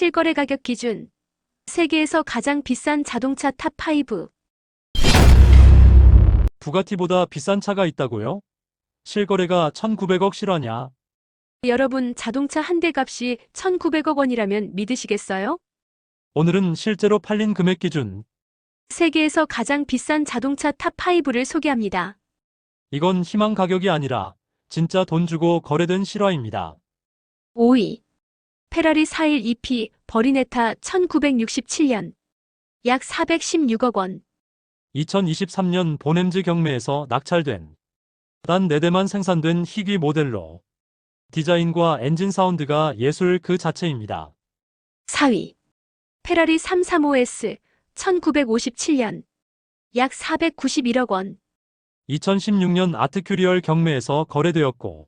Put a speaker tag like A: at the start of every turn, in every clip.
A: 실거래 가격 기준. 세계에서 가장 비싼 자동차 탑5.
B: 부가티보다 비싼 차가 있다고요? 실거래가 1,900억 실화냐?
A: 여러분, 자동차 한 대 값이 1,900억 원이라면 믿으시겠어요?
B: 오늘은 실제로 팔린 금액 기준.
A: 세계에서 가장 비싼 자동차 탑5를 소개합니다.
B: 이건 희망 가격이 아니라 진짜 돈 주고 거래된 실화입니다.
A: 5위. 페라리 411 EP 버리네타 1967년. 약 416억 원.
B: 2023년 보냄즈 경매에서 낙찰된 단 4대만 생산된 희귀 모델로 디자인과 엔진 사운드가 예술 그 자체입니다.
A: 4위. 페라리 335S 1957년. 약 491억 원.
B: 2016년 아트큐리얼 경매에서 거래되었고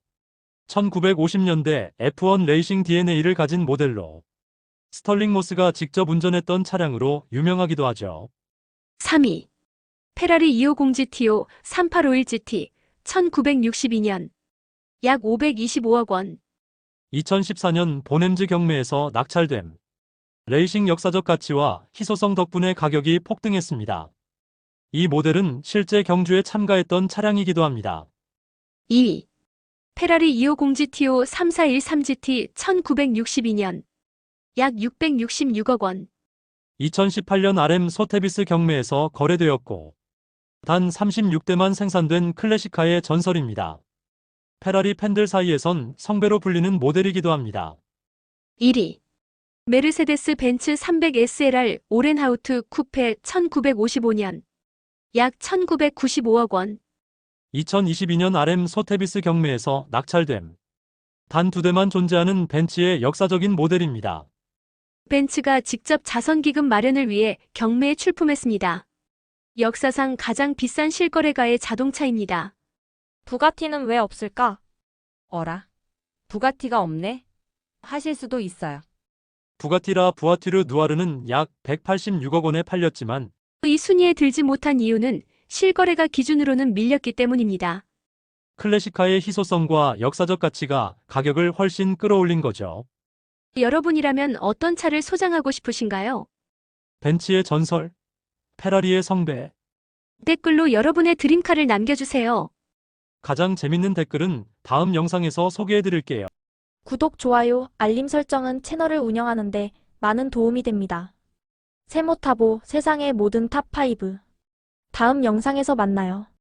B: 1950년대 F1 레이싱 DNA를 가진 모델로 스털링 모스가 직접 운전했던 차량으로 유명하기도 하죠.
A: 3위. 페라리 250 GTO 3851 GT 1962년. 약 525억 원.
B: 2014년 보냄즈 경매에서 낙찰됨. 레이싱 역사적 가치와 희소성 덕분에 가격이 폭등했습니다. 이 모델은 실제 경주에 참가했던 차량이기도 합니다.
A: 2위. 페라리 250 GTO 3413 GT 1962년. 약 666억 원.
B: 2018년 RM 소테비스 경매에서 거래되었고 단 36대만 생산된 클래식카의 전설입니다. 페라리 팬들 사이에선 성배로 불리는 모델이기도 합니다.
A: 1위. 메르세데스 벤츠 300 SLR 오렌하우트 쿠페 1955년. 약 1995억 원.
B: 2022년 RM 소테비스 경매에서 낙찰됨. 단 2대만 존재하는 벤츠의 역사적인 모델입니다.
A: 벤츠가 직접 자선기금 마련을 위해 경매에 출품했습니다. 역사상 가장 비싼 실거래가의 자동차입니다.
C: 부가티는 왜 없을까? 어라? 부가티가 없네? 하실 수도 있어요.
B: 부가티라 부아티르 누아르는 약 186억 원에 팔렸지만
A: 이 순위에 들지 못한 이유는 실거래가 기준으로는 밀렸기 때문입니다.
B: 클래식카의 희소성과 역사적 가치가 가격을 훨씬 끌어올린 거죠.
A: 여러분이라면 어떤 차를 소장하고 싶으신가요?
B: 벤츠의 전설, 페라리의 성배.
A: 댓글로 여러분의 드림카를 남겨주세요.
B: 가장 재밌는 댓글은 다음 영상에서 소개해드릴게요.
C: 구독, 좋아요, 알림 설정은 채널을 운영하는데 많은 도움이 됩니다. 세모타보 세상의 모든 탑5. 다음 영상에서 만나요.